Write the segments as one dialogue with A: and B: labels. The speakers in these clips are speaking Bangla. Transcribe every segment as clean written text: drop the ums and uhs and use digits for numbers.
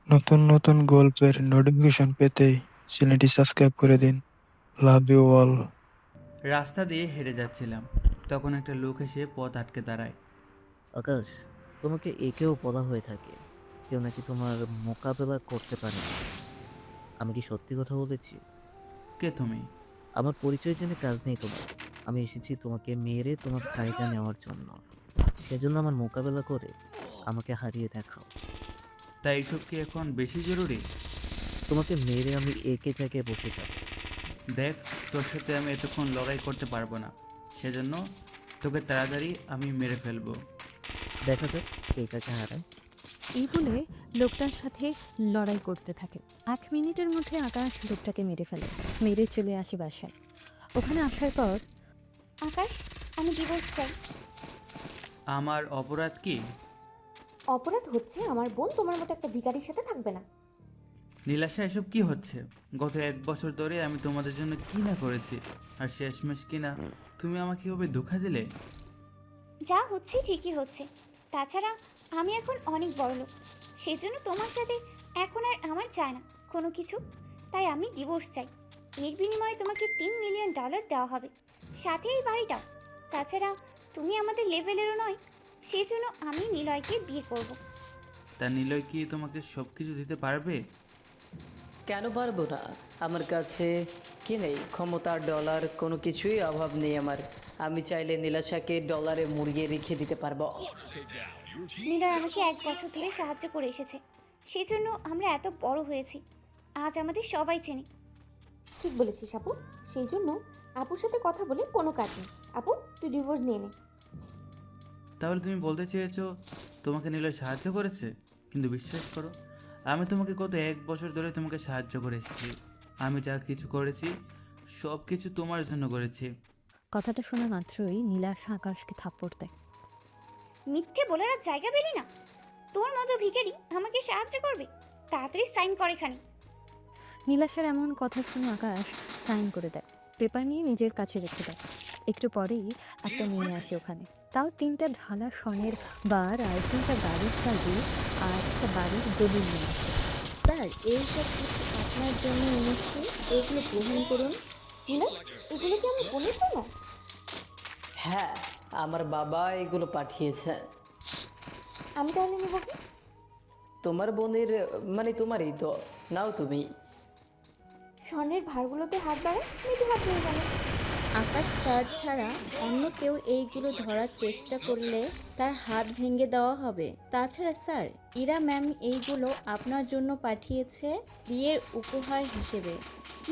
A: নতুন নতুন গল্পের নোটিফিকেশন পেতে চ্যানেলটি সাবস্ক্রাইব করে দিন। Love you all.
B: রাস্তা দিয়ে হেঁটে যাচ্ছিলাম, তখন একটা লোক এসে পথ আটকে দাঁড়ায়।
C: আকাশ, তোমাকে একেও বলা হয়ে থাকে কেউ নাকি তোমার মোকাবেলা করতে পারে না। আমি কি সত্যি কথা বলেছি?
B: কে তুমি?
C: আমার পরিচয় জেনে কাজ নেই তোমার। আমি এসেছি তোমাকে মেরে তোমার জায়গা নেওয়ার জন্য। সেজন্য আমার মোকাবেলা করে আমাকে হারিয়ে দেখাও।
B: তাই এইসব কি এখন বেশি জরুরি?
C: তোমাকে মেরে আমি একে জায়গায় বসে যাব।
B: দেখ, তোর সাথে আমি এতক্ষণ লড়াই করতে পারবো না, সেজন্য তোকে তাড়াতাড়ি আমি মেরে ফেলবো।
C: দেখা যাক কে কাকে হারায়।
D: এই বলে লোকটার সাথে লড়াই করতে থাকে। 1 মিনিটের মধ্যে আকাশ লোকটাকে মেরে ফেলে, মেরে চলে আসে বাসায়। ওখানে আসার পর
E: আকাশ, আমি ডিভোর্স চাই।
B: আমার অপরাধ কি?
E: অপরাধ হচ্ছে আমার বোন তোমার মতো একটা ভিখারির সাথে থাকবে না।
B: নীলাশা, এসব কি হচ্ছে? গত 1 বছর ধরে আমি তোমাদের জন্য কি না করেছি, আর শেষমেশ কিনা তুমি আমাকে এভাবে ধোঁকা দিলে।
E: যা হচ্ছে ঠিকই হচ্ছে। তাছাড়া আমি এখন অনেক বড় লোক, সেজন্য তোমার সাথে এখন আর আমার চায় না কোনো কিছু। তাই আমি ডিভোর্স চাই। এর বিনিময়ে তোমাকে $3 মিলিয়ন দেওয়া হবে, সাথে এই বাড়িটাও। তাছাড়া তুমি আমাদের লেভেলেরও নয়, সেজন্য আমি নিলয়কে বিয়ে করব।
B: তা নিলয় কি তোমাকে সব কিছু দিতে পারবে?
F: কেন পারবো না? আমার কাছে কি নেই? ক্ষমতার ডলার কোনো কিছুই অভাব নেই আমার। আমি চাইলে নীলাশাকে ডলারে মুড়িয়ে রেখে দিতে পারবো।
E: নিলয় আমাকে 1 বছর ধরে সাহায্য করে এসেছে, সেজন্য আমরা এত বড় হয়েছি। আজ আমাদের সবাই চেনে। ঠিক বলেছিস আপু। সেই জন্য আপুর সাথে কথা বলে কোনো কাজ নেই। আপু, তুই ডিভোর্স নিয়ে নে।
B: তাহলে তুমি বলতে চেয়েছো তোমাকে নিলয় সাহায্য করেছে? কিন্তু বিশ্বাস করো, আমি তোমাকে গত 1 বছর ধরে তোমাকে সাহায্য করে এসেছি। আমি যা কিছু করেছি সব কিছু তোমার জন্য করেছি।
D: কথাটা শোনা মাত্রই নীলাশা আকাশকে থাপ্পড় দেয়।
E: মিথ্যে বলার আর জায়গা পেলি না? তোর মতো ভিখারি আমাকে সাহায্য করবে? তাড়াতাড়ি সাইন কর এখানে।
D: নীলাশার এমন কথা শুনে আকাশ সাইন করে দেয়, পেপার নিয়ে নিজের কাছে রেখে দেয়। একটু পরেই একটা মেয়ে আসে ওখানে, তাও 3টা ঢালা স্বর্ণের বার আর 3টা গাড়ির চাবি আর একটা বাড়ির দলিল নিয়ে আসে।
G: স্যার, এইসব কিছু আপনার জন্য এনেছি, এগুলো গ্রহণ করুন।
E: নিলয়, এগুলো কি আমার বোনের জন্য?
F: হ্যাঁ, আমার বাবা এগুলো পাঠিয়েছে।
E: আমি তাহলে নেব কি?
F: তোমার বোনের, মানে তোমারই তো। নাও তুমি।
E: স্বর্ণের ভারগুলোতে হাত বাড়ায়, মেয়েটি হাত ধরে গেল।
G: আকাশ স্যার ছাড়া অন্য কেউ এইগুলো ধরার চেষ্টা করলে তার হাত ভেঙে দেওয়া হবে। তাছাড়া স্যার, ইরা ম্যাম এইগুলো আপনার জন্য পাঠিয়েছে বিয়ের উপহার হিসেবে।
E: কি?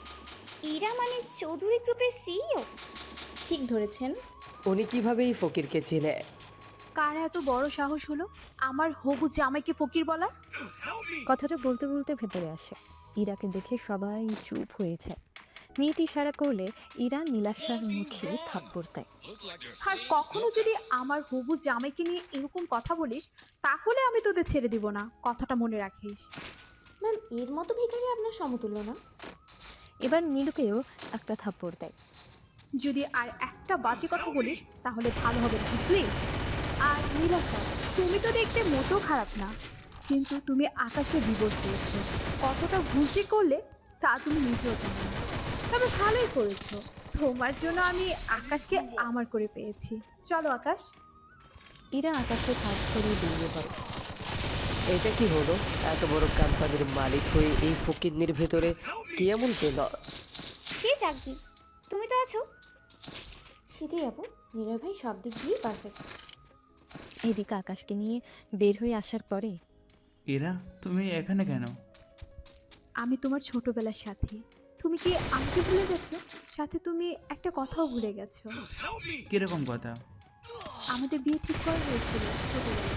E: এরা মানে চৌধুরী গ্রুপের সিইও?
G: ঠিক ধরেছেন।
F: উনি কিভাবে এই ফকিরকে ছিলে?
H: কার এত বড় সাহস হলো আমার হবু জামাইকে ফকির বলার?
D: কথাটা বলতে বলতে ভেতরে আসে। ইরাকে দেখে সবাই চুপ হয়ে যায়। মেয়েটি ইশারা করলে ইরা নীলাশার মুখে থাপ্পড় দেয়।
H: আর কখনো যদি আমার হবু জামাইকে নিয়ে এরকম কথা বলিস, তাহলে আমি তোদের ছেড়ে দিব না, কথাটা মনে রাখিস।
E: ম্যাম, এর মতো ভিখারি আপনার সমতুল্য না।
D: এবার নীলুকেও একটা থাপ্পড় দেয়।
H: যদি আর একটা বাজে কথা বলিস তাহলে ভালো হবে না, বুঝলি? আর নীলাশা, তুমি তো দেখতে মোটেও খারাপ না, কিন্তু তুমি আকাশকে ডিভোর্স দিয়েছো। কতটা ভুল যে করলে তা তুমি নিজেও জানো না। তবে ভালোই করেছো, তোমার জন্য আমি আকাশকে আমার করে পেয়েছি। চলো আকাশ।
D: ইরা আকাশের হাত ধরে বেরিয়ে পড়ে।
F: এটা কি হলো? এত বড় কোম্পানির মালিক হয়ে এই ফকিরনির ভেতরে কি এমন পেল?
E: সে যাকবি, তুমি তো আছো। সেটাই আপু, নিলয় ভাই সব দিক দিয়েই পারফেক্ট।
D: এদিকে আকাশকে নিয়ে বের হয়ে আসার পরে
B: এরা, তুমি এখানে কেন?
H: আমি তোমার ছোটবেলার সাথী। তুমি কি আমাকে ভুলে গেছো? সাথে তুমি একটা কথাও ভুলে গেছো।
B: কিরকম কথা?
H: আমাদের বিয়ে ঠিক করা হয়েছিল ছোটবেলায়।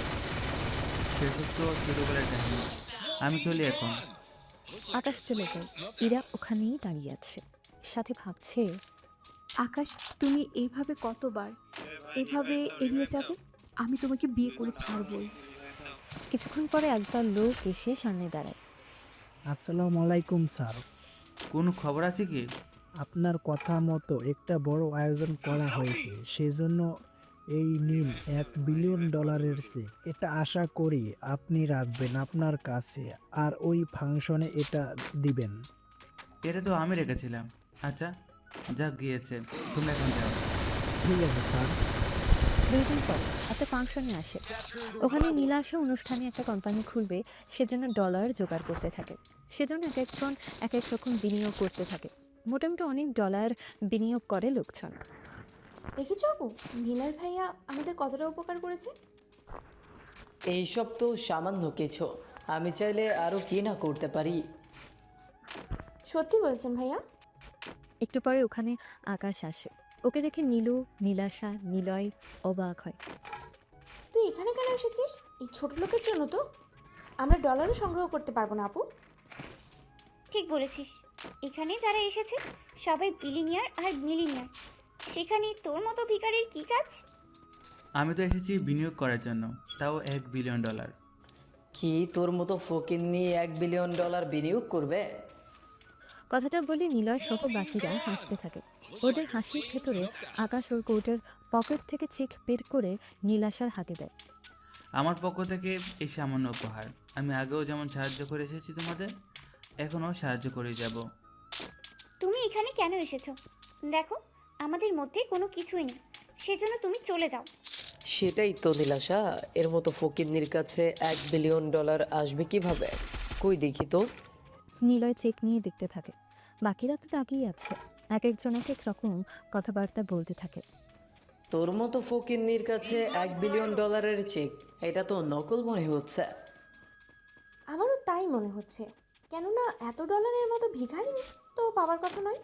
B: সেসব তো ছোটবেলার কাহিনী। আমি চলি এখন।
D: আকাশ চলে যায়। ইরা ওখানেই দাঁড়িয়ে আছে, সাথে ভাবছে
H: আকাশ, তুমি এইভাবে কতবার এভাবে এড়িয়ে যাবে? আমি তোমাকে বিয়ে করে ছাড়বই।
D: কিছুক্ষণ পরে একদল লোক এসে সামনে দাঁড়ায়।
I: আসসালামু আলাইকুম স্যার।
B: কোনো খবর আছে কি?
I: আপনার কথা মতো একটা বড় আয়োজন করা হয়েছে, সেজন্য এই নিন $1 বিলিয়ন চেক। এটা আশা করি আপনি রাখবেন আপনার কাছে আর ওই ফাংশনে এটা দিবেন।
B: এটা তো আমি রেখেছিলাম। আচ্ছা, যা গিয়েছে, তুমি এখন যাও।
I: ঠিক আছে স্যার।
D: 2 দিন পর একটা ফাংশনে আসে। ওখানে নীলাশা অনুষ্ঠানে একটা কোম্পানি খুলবে, সেজন্য ডলার জোগাড় করতে থাকে। সেজন্য এক একজন এক এক রকম বিনিয়োগ করতে থাকে। মোটামুটি অনেক ডলার বিনিয়োগ করে লোকজন।
J: দেখেছো আপু, নীলার ভাইয়া আমাদের কতটা উপকার করেছে।
F: এইসব তো সামান্য কিছু, আমি চাইলে আরও কি না করতে পারি।
J: সত্যি বলছেন ভাইয়া।
D: একটু পরে ওখানে আকাশ আসে। ওকে দেখে নীলু, নীলাশা, নিলয় অবাক হয়।
J: তুই এখানে কেন এসেছিস? এই ছোট লোকের জন্য তো আমরা ডলারও সংগ্রহ করতে পারবো না আপু।
E: ঠিক বলেছিস, এখানে যারা এসেছে সবাই বিলিনিয়ার আর মিলিনিয়ার। সেখানে তোর মতো ভিখারির কী কাজ?
B: আমি তো এসেছি বিনিয়োগ করার জন্য, তাও $1 বিলিয়ন।
F: কি তোর মতো ফকিন্নি $1 বিলিয়ন বিনিয়োগ করবে?
D: কথাটা বলে নিলয় সহ বাকিরা হাসতে থাকে। ওদের হাসির ভেতরে আকাশ ওর কোটের পকেট থেকে চেক বের করে নীলাশার হাতে দেয়।
B: আমার পক্ষ থেকে এই সামান্য উপহার। আমি আগেও যেমন সাহায্য করে এসেছি তোমাদের, এখনও সাহায্য করে যাব।
E: তুমি এখানে কেন এসেছো? দেখো, আমাদের মধ্যে কোনো কিছুই নেই, সেজন্য তুমি চলে যাও।
F: সেটাই তো নীলাশা, এর মতো ফকিন্নির কাছে $1 বিলিয়ন আসবে কিভাবে? কই দেখি তো।
D: নিলয় চেক নিয়ে দেখতে থাকে। বাকিরা তো তাকিয়ে আছে। এক একজন এক এক রকম কথাবার্তা বলতে থাকে।
F: তোর মতো ফকিন্নির কাছে $1 বিলিয়ন চেক, এটা তো নকল মনে হচ্ছে।
J: আমারও তাই মনে হচ্ছে, কেননা এত ডলারের মতো ভিখারি তো পাওয়ার কথা নয়।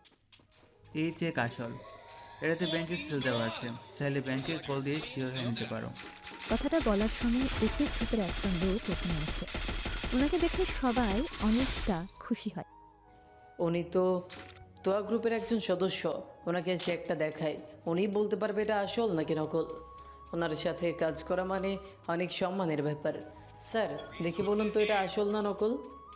B: এই চেক আসল, এটাতে ব্যাংকের সিল দেওয়া আছে, চাইলে ব্যাংকে কল দিয়ে শিওর হয়ে নিতে পারো।
D: কথাটা বলার সময় একের ভিতরে একজন লোক ওখানে আসে। ওনাকে দেখে সবাই অনেকটা খুশি হয়।
F: উনি তো তোয়া গ্রুপের একজন সদস্য, ওনাকে চেকটা দেখায়, উনি বলতে পারবে এটা আসল নাকি নকল। ওনার সাথে কাজ করা মানে অনেক সম্মানের ব্যাপার। স্যার, দেখি বলুন তো এটা আসল না নকল?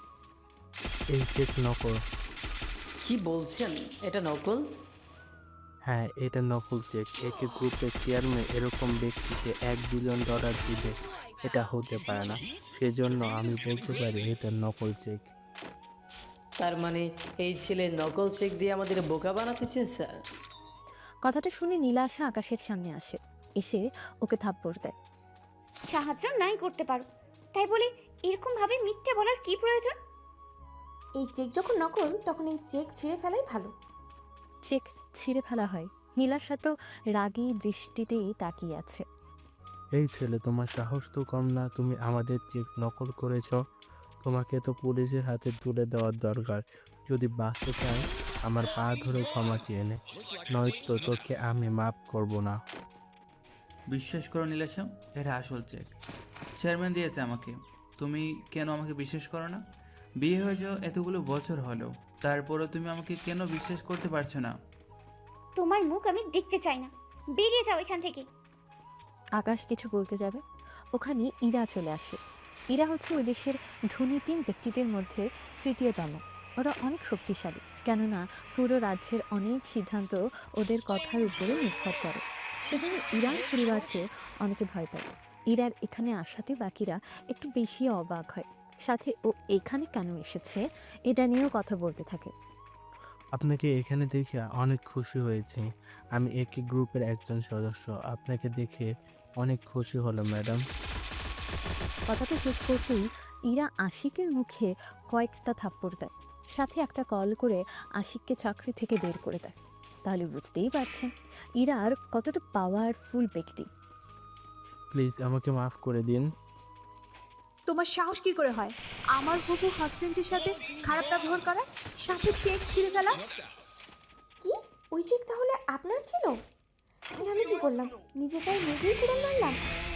K: এই চেক নকল।
F: কি বলছেন, এটা নকল?
K: হ্যাঁ, এটা নকল চেক। একে গ্রুপের চেয়ারম্যান এরকম ব্যক্তিকে $1 বিলিয়ন দিবে, এটা হতে পারে না। সেজন্য আমি বলতে পারি এটা নকল চেক।
F: তার মানে এই ছেলে নকল চেক দিয়ে আমাদের বোকা বানাতে চেয়েছে।
D: কথাটা শুনে নীলাশা আকাশের সামনে আসে। এসে ওকে থাপ্পড় দেয়।
E: সাহায্য নাই করতে পারো, তাই বলে এরকমভাবে মিথ্যে বলার কি প্রয়োজন?
J: এই চেক যখন নকল তখন এই চেক ছিঁড়ে ফেলাই ভালো।
D: চেক ছিঁড়ে ফেলা হয়। নীলাশা তো রাগী দৃষ্টিতেই তাকিয়ে আছে।
K: এই ছেলে, তোমার সাহস তো কম না, তুমি আমাদের চেক নকল করেছ। তোমাকে তো পুলিশের হাতে তুলে দেওয়ার দরকার। যদি বাঁচতে চাই আমার পা ধরে ক্ষমা চেয়ে নে, নয়তো তোকে আমি মাফ করব না।
B: বিশ্বাস করো নীলাশা, এটা আসল চেক, চেয়ারম্যান দিয়েছে আমাকে। তুমি কেন আমাকে বিশ্বাস করো না? বিয়ে হয়েছে এতগুলো বছর হলো, তারপরও তুমি আমাকে কেন বিশ্বাস করতে পারছো না?
E: তোমার মুখ আমি দেখতে চাই না, বেরিয়ে যাও এখান থেকে।
D: আকাশ কিছু বলতে যাবে, ওখানে ইরা চলে আসে। ইরা হচ্ছে ওই দেশের ধনী 3 ব্যক্তিদের মধ্যে তৃতীয়তম। ওরা অনেক শক্তিশালী, কেননা পুরো রাজ্যের অনেক সিদ্ধান্ত ওদের কথার উপরে নির্ভর করে। সেজন্য ইরার পরিবারকে অনেকে ভয় পায়। ইরার এখানে আসাতে বাকিরা একটু বেশি অবাক হয়। সাথে ও এখানে কেন এসেছে এটা নিয়েও কথা বলতে থাকে।
K: আপনাকে এখানে দেখে অনেক খুশি হয়েছি। আমি একই গ্রুপের একজন সদস্য। আপনাকে দেখে অনেক খুশি হলো ম্যাডাম।
D: কথাটা শেষ করতেই ইরা আশিকের মুখে কয়েকটা থাপ্পড় দেয়, সাথে একটা কল করে আশিককে চাকরি থেকে বের করে দেয়। তাহলে বুঝতেই পারছেন ইরার কতটা পাওয়ারফুল ব্যক্তি।
K: প্লিজ আমাকে মাফ করে দিন।
H: তোমার সাহস কি করে হয় আমার হবু হাজবেন্ডের সাথে খারাপ ব্যবহার করা, সাথে চেক ছিঁড়ে ফেলা?
J: কি ওই চেক তাহলে আপনার ছিল? আমি কি করলাম? নিজে পায়ে নিজেই ফিরে মারলাম।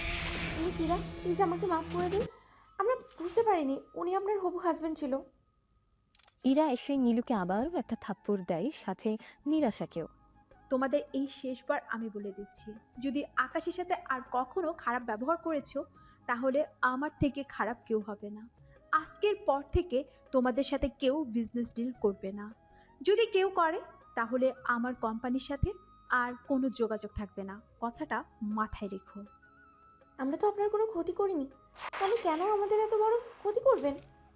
J: প্লিজ আমাকে মাফ করে দিন। আমরা বুঝতে পারিনি উনি আপনার হবু হাজবেন্ড ছিল।
D: ইরা এসে নীলুকে আবারও একটা থাপ্পড় দেয়, সাথে নিরাশাকেও।
H: তোমাদের এই শেষবার আমি বলে দিচ্ছি, যদি আকাশের সাথে আর কখনো খারাপ ব্যবহার করেছো তাহলে আমার থেকে খারাপ কেউ হবে না। আজকের পর থেকে তোমাদের সাথে কেউ বিজনেস ডিল করবে না। যদি কেউ করে তাহলে আমার কোম্পানির সাথে আর কোনো যোগাযোগ থাকবে না, কথাটা মাথায় রেখো।
J: আমরা তো আপনার কোনো ক্ষতি করিনি, তাহলে কেন আমাদের এত বড় ক্ষতি করবেন?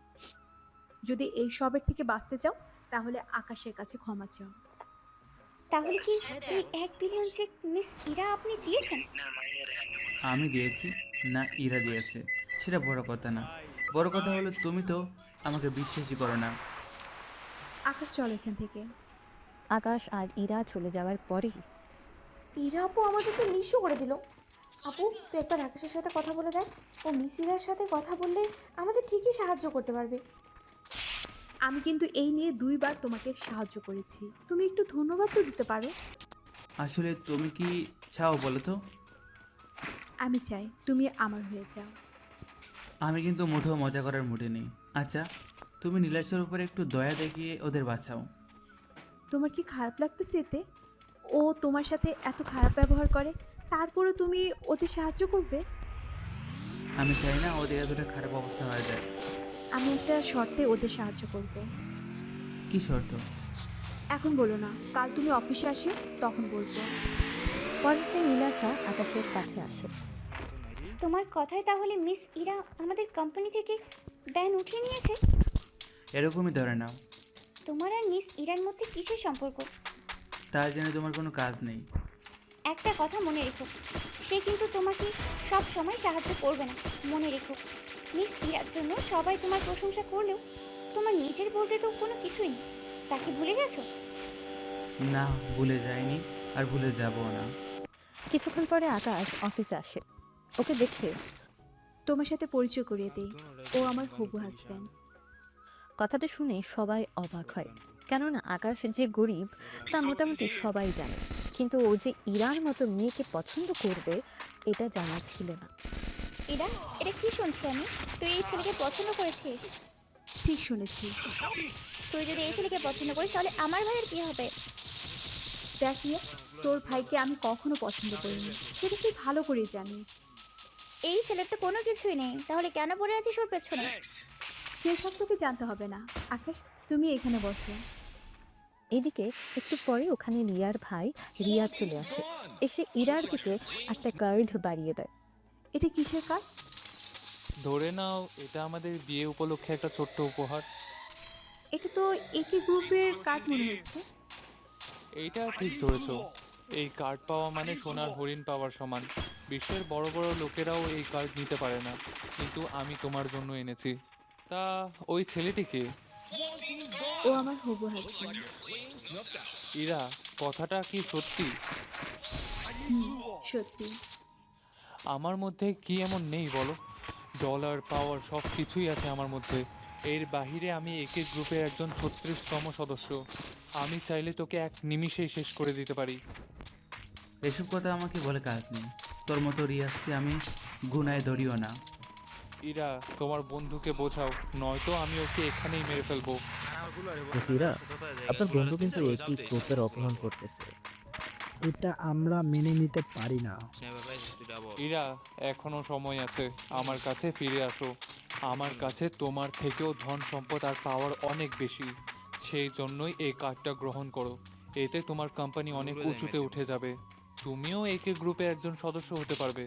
H: যদি এই সবের থেকে বাঁচতে চাও তাহলে আকাশের কাছে ক্ষমা চাও।
E: তাহলে কি এই 1 বিলিয়ন চেক মিস ইরা আপনি দিয়েছেন?
B: আমি দিয়েছি না ইরা দিয়েছে সেটা বড় কথা না, বড় কথা হলো তুমি তো আমাকে বিশ্বাসই করো না।
H: আকাশ চল এখান থেকে।
D: আকাশ আর ইরা চলে যাওয়ার পরেই
J: ইরা আপু আমাদেরকে নিঃস্ব করে দিল। আপু তুই একবার আকাশের সাথে কথা বলে দেখ, ও মিস ইরার সাথে কথা বললে আমাদের ঠিকই সাহায্য করতে পারবে।
H: আমি কিন্তু এই নিয়ে 2বার তোমাকে সাহায্য করেছি, তুমি একটু ধন্যবাদ তো দিতে পারো।
B: আসলে তুমি কি চাও বলো তো?
H: আমি চাই তুমি আমার হয়ে যাও।
B: আমি কিন্তু মুঠেও মজা করার মুডে নেই। আচ্ছা তুমি নীলাশের উপরে একটু দয়া দেখিয়ে ওদের বাঁচাও।
H: তোমার কি খারাপ লাগতেছে এতে? ও তোমার সাথে এত খারাপ ব্যবহার করে, তারপরে তুমি ওতে সাহায্য করবে?
B: আমি চাই না ওদের এতটা খারাপ অবস্থা হয়ে যায়।
H: আমি একটা শর্তে ওদের সাহায্য করব।
B: কি শর্ত?
H: এখন বলো না, কাল তুমি অফিসে আসো তখন বলবো।
D: পরের দিন নীলাশা আকাশের কাছে আসে।
E: তোমার কথায় তাহলে মিস ইরা আমাদের কোম্পানি থেকে ব্যান উঠিয়ে নিয়েছে?
B: এরকমই ধরে নাও।
E: তোমার আর মিস ইরার মধ্যে কিসের সম্পর্ক?
B: তার জন্য তোমার কোনো কাজ নেই।
E: একটা কথা মনে রেখো, সে কিন্তু তোমাকে সব সময় সাহায্য করবে না, মনে রেখো। মিস ইরার জন্য সবাই তোমার প্রশংসা করলেও তোমার নিজের বলতে তো কোনো কিছুই নেই। তাকে ভুলে গেছো?
B: না, ভুলে যাইনি আর ভুলে যাবো না।
D: কিছুক্ষণ পরে আকাশ অফিসে আসে। ওকে দেখে
H: তোমার সাথে পরিচয় করিয়ে দেই, ও আমার হবু হাজব্যান্ড।
D: কথাটা শুনে সবাই অবাক হয়, কেননা আকাশ যে গরিব তা মোটামুটি সবাই জানে, কিন্তু ও যে ইরার মতো মেয়েকে পছন্দ করবে এটা জানা ছিল না।
E: ইরা, এটা কি শুনছি আমি? তুই এই ছেলেকে পছন্দ করেছিস?
H: ঠিক শুনেছি।
E: তুই যদি এই ছেলেকে পছন্দ করিস তাহলে আমার ভাইয়ের কি হবে?
H: দেখ নিয়ে, তোর ভাইকে আমি কখনো পছন্দ করিনি, সেটা তুই ভালো করেই জানিস।
E: এই ছেলের তো কোনো কিছুই নেই, তাহলে কেন পড়ে আছিস ওর পেছনে?
H: সেসব তোকে জানতে হবে না। আকাশ তুমি এখানে বসো।
D: এদিকে একটু পরে ওখানে রিয়ার ভাই রিয়া চলে আসে, এসে ইরার দিকে একটা কার্ড বাড়িয়ে দেয়।
H: এটা কিসের কার্ড?
L: ধরে নাও এটা আমাদের বিয়ে উপলক্ষে একটা ছোট্ট উপহার।
H: এটা তো একই গ্রুপের কার্ড মনে হচ্ছে।
L: এইটা ঠিক ধরেছ, এই কার্ড পাওয়া মানে সোনার হরিণ পাওয়ার সমান। বিশ্বের বড় বড় লোকেরাও এই কার্ড নিতে পারে না, কিন্তু আমি তোমার জন্য এনেছি। তা ওই ছেলেটিকে?
H: ও আমার হবু হাজব্যান্ড।
L: ইরা, কথাটা কি সত্যি?
H: সত্যি।
L: আমার মধ্যে কি এমন নেই বলো? ডলার পাওয়ার সব কিছুই আছে আমার মধ্যে। এর বাহিরে আমি একে গ্রুপের একজন 36তম সদস্য। আমি চাইলে তোকে এক নিমিষেই শেষ করে দিতে পারি।
B: এসব কথা আমাকে বলে কাজ নেই। তোর মতো রিয়াজকে আমি গুনায় ধরিও না।
L: ইরা, তোমার বন্ধুকে বোঝাও, নয়তো আমি ওকে এখানেই মেরে ফেলবো।
C: মিস ইরা, আপনার বন্ধু কিন্তু একই গ্রুপের অপমান করতেছে।
I: এটা আমরা মেনে নিতে পারি না।
L: ইরা, এখনো সময় আছে, আমার কাছে ফিরে আসো। আমার কাছে তোমার থেকেও ধন সম্পদ আর পাওয়ার অনেক বেশি। সেই জন্যই এই কার্ডটা গ্রহণ করো। এতে তোমার কোম্পানি অনেক উঁচুতে উঠে যাবে। তুমিও একে গ্রুপে একজন সদস্য হতে পারবে।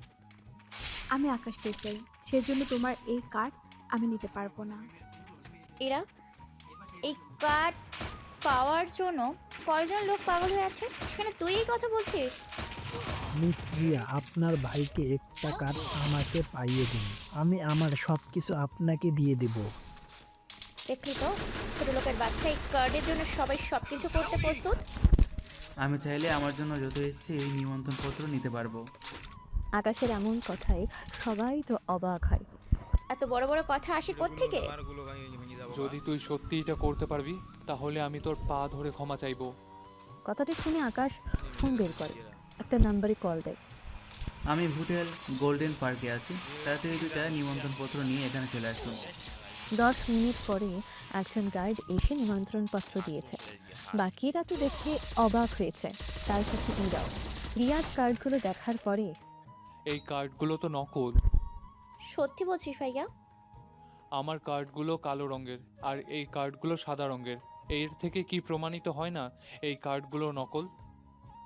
H: আমি আকাশকে চাই, সেজন্য তোমার এই কার্ড আমি নিতে পারবো না।
E: ইরা, এই কার্ড পাওয়ার জন্য কয়জন লোক পাগল হয়ে আছে, সেখানে তুই এই কথা বলছিস?
I: মিস রিয়া, আপনার ভাইকে একটা কার্ড আমাকে পাইয়ে দিন, আমি আমার সব কিছু আপনাকে দিয়ে দেব।
E: দেখলি তো, ছোট লোকের বাচ্চা এই কার্ডের জন্য সবাই সব কিছু করতে প্রস্তুত।
B: আমি চাইলে আমার জন্য যত ইচ্ছে এই নিমন্ত্রণপত্র নিতে পারবো।
D: আকাশের এমন কথায় সবাই তো অবাক হয়।
E: এত বড় বড় কথা আসে কোত্থেকে?
L: যদি তুই সত্যি এটা করতে পারবি, তাহলে আমি তোর পা ধরে ক্ষমা চাইবো।
D: কথাটা শুনে আকাশ ফোন বের করে, একটা নাম্বারে কল দেয়।
B: আমি হোটেল গোল্ডেন পার্কে আছি, তাড়াতাড়ি 2টা নিমন্ত্রণপত্র নিয়ে এখানে চলে আসুন।
D: 10 মিনিট পরে একজন গাইড এসে নিমন্ত্রণপত্র দিয়েছে। বাকিরা তো দেখে অবাক হয়েছে, তার সাথে ইরাও। রিয়াজ কার্ডগুলো দেখার পরে,
L: এই কার্ডগুলো তো নকল।
E: সত্যি বলছিস ভাইয়া?
L: আমার কার্ডগুলো কালো রঙের আর এই কার্ডগুলো সাদা রঙের। এর থেকে কি প্রমাণিত হয় না এই কার্ডগুলো নকল?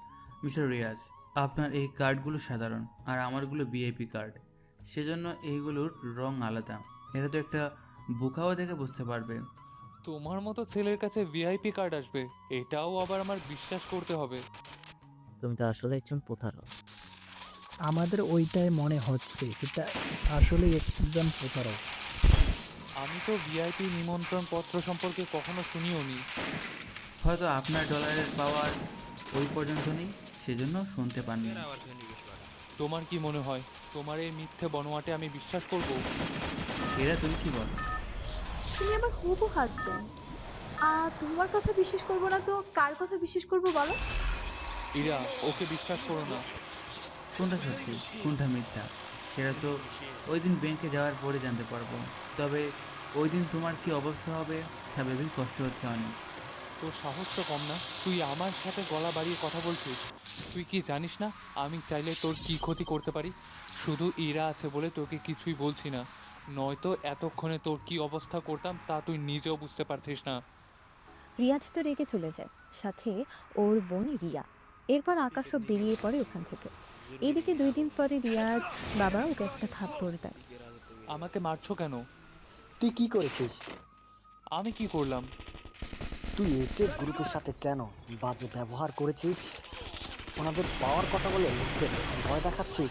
B: মিস্টার রিয়াজ, আপনার এই কার্ডগুলো সাধারণ আর আমারগুলো ভিআইপি কার্ড, সেজন্য এইগুলোর রং আলাদা। এটা তো একটা বুকাও দেখে বুঝতে পারবে।
L: তোমার মতো ছেলের কাছে ভিআইপি কার্ড আসবে, এটাও আবার আমার বিশ্বাস করতে হবে?
C: তুমি তো আসলে একজন প্রতারক।
I: আমাদের ওইটাই মনে হচ্ছে, এটা আসলে একজন প্রতারক।
L: আমি তো ভিআইপি নিমন্ত্রণ পত্র সম্পর্কে কখনো শুনিও নি।
B: হয়তো আপনার ডলারের পাওয়ার ওই পর্যন্ত নেই, সেজন্য শুনতে পাননি।
L: তোমার কি মনে হয় তোমার এই মিথ্যে বনোয়াটে আমি বিশ্বাস করব?
B: এরা তুমি কি বল?
H: তুমি আমার হবু হাজব্যান্ড, আর তোমার কথা বিশ্বাস করবো না তো কার কথা বিশ্বাস করবো বলো?
L: ইরা, ওকে বিশ্বাস করো না।
B: কোনটা সত্যি কোনটা মিথ্যা সেটা তো ওই দিন ব্যাংকে যাওয়ার পরে জানতে পারবো। তবে ওই দিন তোমার কি অবস্থা হবে তা ভেবেই কষ্ট হচ্ছে অনেক।
L: তোর সাহস তো কম না, তুই আমার সাথে গলা বাড়িয়ে কথা বলছিস। তুই কি জানিস না আমি চাইলে তোর কি ক্ষতি করতে পারি? শুধু ইরা আছে বলে তোকে কিছুই বলছি না, নয়তো এতক্ষণে তোর কি অবস্থা করতাম তা তুই নিজেও বুঝতে পারছিস না।
D: রিয়াজ তো রেগে চলে যায়, সাথে ওর বোন রিয়া। এরপর আকাশও বেরিয়ে পড়ে ওখান থেকে। এদিকে 2 দিন পরে রিয়াজ বাবা ওকে একটা থাপ্পড় দেয়।
L: আমাকে মারছো কেন?
M: তুই কি করেছিস?
L: আমি কি করলাম?
M: তুই একে গ্রুপের সাথে কেন বাজে ব্যবহার করেছিস? ওনাদের পাওয়ার কথা বলে লোকদের ভয় দেখাচ্ছিস।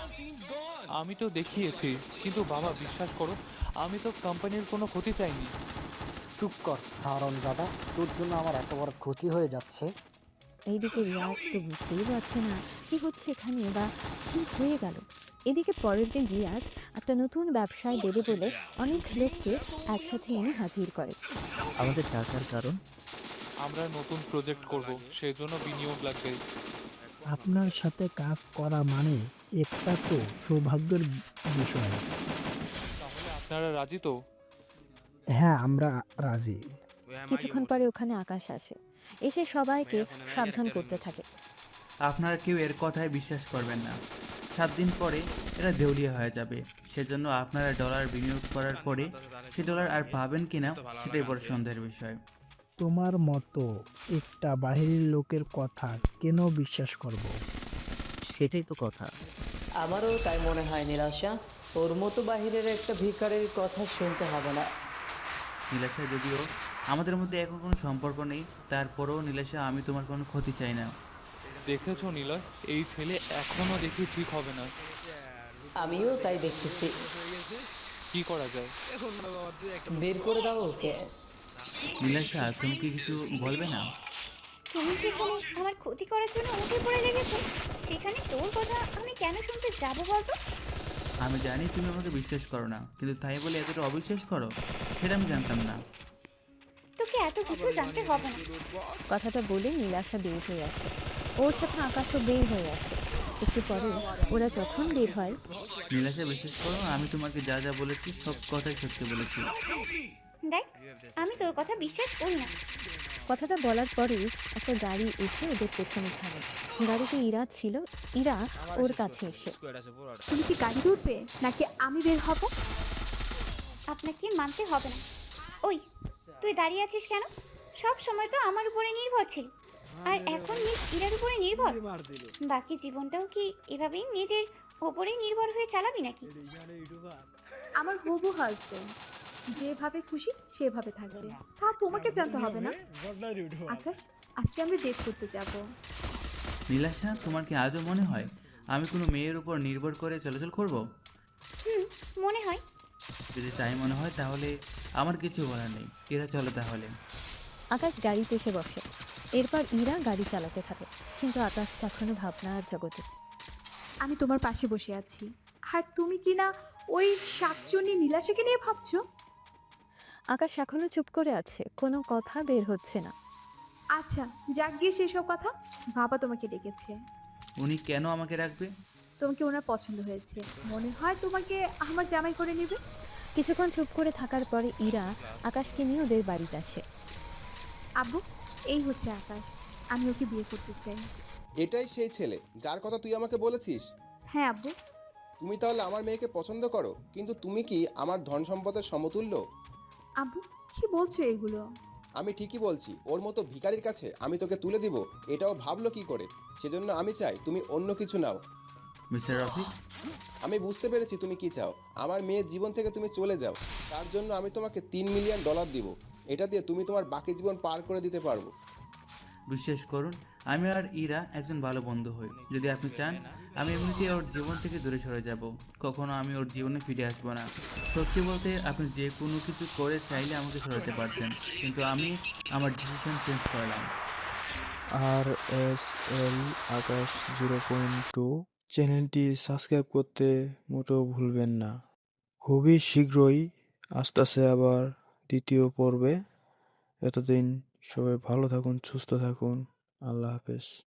L: আমি তো দেখিয়েছি, কিন্তু বাবা বিশ্বাস করো আমি তো কোম্পানির কোনো ক্ষতি চাইনি।
M: চুপ কর হারন দাদা, তোর জন্য আমার এত বড় ক্ষতি হয়ে যাচ্ছে।
D: এইদিকে রিয়াজ তো বুঝতেই পারছে না কি হচ্ছে এখানে বা কি হয়ে গেল। এদিকে পরের দিন রিয়াজ একটা নতুন ব্যবসায় দেবে বলে অনেক লোককে একসাথে এনে হাজির করে।
C: আমাদের টাকার কারণ?
L: আমরা নতুন প্রজেক্ট করব, সেই জন্য বিনিয়োগ লাগবে।
I: আপনার সাথে কাজ করা মানে একটা তো সৌভাগ্যের বিষয়।
L: তাহলে আপনারা রাজি তো?
I: হ্যাঁ, আমরা রাজি।
D: কিছুক্ষণ পরে ওখানে আকাশ আসে, এসে সবাইকে সাবধান করতে থাকে।
B: আপনারা কেউ এর কথায় বিশ্বাস করবেন না। 7 দিন পরে এরা দেউলিয়া হয়ে যাবে। সেজন্য আপনারা ডলার বিনিয়োগ করার পরে সে ডলার আর পাবেন কিনা সেটাই বড় সন্দেহের বিষয়।
I: তোমার মতো একটা বাহিরের লোকের কথা কেন বিশ্বাস করব?
C: সেটাই তো কথা।
F: আমারও তাই মনে হয় নিরাশা, ওর মতো বাহিরের একটা ভিখারির কথা শুনতে হবে না।
B: নীলাশা, যদিও আমাদের মধ্যে এখন কোনো সম্পর্ক নেই, তারপরেও নীলাশা আমি তোমার কোনো ক্ষতি চাই না।
L: দেখেছো নিলয়, এই ছেলে এখনো দেখি ঠিক হবে না।
F: আমিও তাই দেখতেছি।
L: কি করা যায়?
F: বের করে দাও ওকে।
B: নীলাশা, তুমি কি কিছু বলবে না?
E: তুমি যেখানে আমার ক্ষতি করার জন্য উঠে পড়ে লেগেছো, সেখানে তোর কথা আমি কেন শুনতে যাবো বলতো?
B: আমি জানি তুমি আমাকে বিশ্বাস করো না, কিন্তু তাই বলে এতটা অবিশ্বাস করো সেটা আমি জানতাম না।
E: তোকে এত কিছু জানতে হবে না।
D: কথাটা বলে নীলাশা বের হয়ে আসে, ওর সাথে আকাশও বের হয়ে আসে। একটু পরে ওরা যখন বের হয়,
B: নীলাশা, বিশ্বাস করো আমি তোমাকে যা যা বলেছি সব কথাই সত্যি বলেছি।
E: দেখ, আমি তোর কথা বিশ্বাস করি না।
D: কথাটা বলার পরে একটা গাড়ি এসে ওদের পেছনে থামে। গাড়িতে ইরা ছিল। ইরা ওর কাছে এসে,
H: তুমি কি গাড়িতে উঠবে নাকি আমি বের হব?
E: আপনাকে মানতে হবে না। ওই, তুই দাঁড়িয়ে আছিস কেন? সব সময় তো আমার উপরে নির্ভর ছিল, আর এখন মিস ইরার উপরে নির্ভর। বাকি জীবনটাও কি এভাবেই মেয়েদের ওপরেই নির্ভর হয়ে চালাবি নাকি?
H: আমার হবু হাজব্যান্ড যেভাবে খুশি সেভাবে থাকবে, তা তোমাকে জানতে হবে না। আকাশ, আজকে আমরা ডেট করতে যাব।
B: নীলাশা, তোমার কি আজও মনে হয় আমি কোনো মেয়ের উপর নির্ভর করে চলাচল করব?
E: মনে হয়।
B: যদি তাই মনে হয় তাহলে আমার কিছু বলার নেই। এরা চলো তাহলে।
D: আকাশ গাড়িতে এসে বসে। এরপর ইরা গাড়ি চালাতে থাকে, কিন্তু আকাশ তখনও ভাবনার জগতে।
H: আমি তোমার পাশে বসে আছি, আর তুমি কি না ওই শাকচুন্নি নীলাশাকে নিয়ে ভাবছো?
D: আকাশ এখনো চুপ করে আছে, কোনো কথা বের হচ্ছে না।
H: আচ্ছা, যাক গিয়ে সেসব কথা। বাবা তোমাকে ডেকেছে।
B: উনি কেন আমাকে রাখবে?
H: তোমাকে ওনার পছন্দ হয়েছে, মনে হয় তোমাকে আমার জামাই করে নেবে।
D: কিছুক্ষণ চুপ করে থাকার পরে ইরা আকাশকে নিয়ে ওদের বাড়িতে আসে।
H: আব্বু, এই হচ্ছে আকাশ, আমি ওকে বিয়ে করতে চাই।
N: এটাই সেই ছেলে যার কথা তুই আমাকে বলেছিস?
H: হ্যাঁ আব্বু।
N: তুমি তাহলে আমার মেয়েকে পছন্দ করো, কিন্তু তুমি কি আমার ধন সম্পদের সমতুল্য?
H: আব্বু, কি বলছো এগুলো?
N: আমি ঠিকই বলছি, ওর মতো ভিখারির কাছে আমি তোকে তুলে দিব এটাও ভাবলো কি করে? সেজন্য আমি চাই তুমি অন্য কিছু নাও।
B: মিস্টার রফিক,
N: আমি বুঝতে পেরেছি তুমি কি চাও। আমার মেয়ের জীবন থেকে তুমি চলে যাও। তার জন্য আমি তোমাকে $3 মিলিয়ন দিব। এটা দিয়ে তুমি তোমার বাকি জীবন পার করে দিতে পারবো।
B: বিশ্বাস করুন, আমি আর ইরা একজন ভালো বন্ধু হই। যদি আপনি চান, আমি এমনিতেই ওর জীবন থেকে দূরে সরে যাব। কখনো আমি ওর জীবনে ফিরে আসবো না। সত্যি বলতে, আপনি যে কোনো কিছু করে চাইলে আমাকে সরাতে পারতেন, কিন্তু আমি আমার ডিসিশন চেঞ্জ করলাম।
A: RSL আকাশ 0.2 চ্যানেলটি সাবস্ক্রাইব করতে মোটেও ভুলবেন না। খুবই শীঘ্রই আসতেছে আবার দ্বিতীয় পর্বে। এতদিন সবাই ভালো থাকুন, সুস্থ থাকুন। আল্লাহ হাফেজ।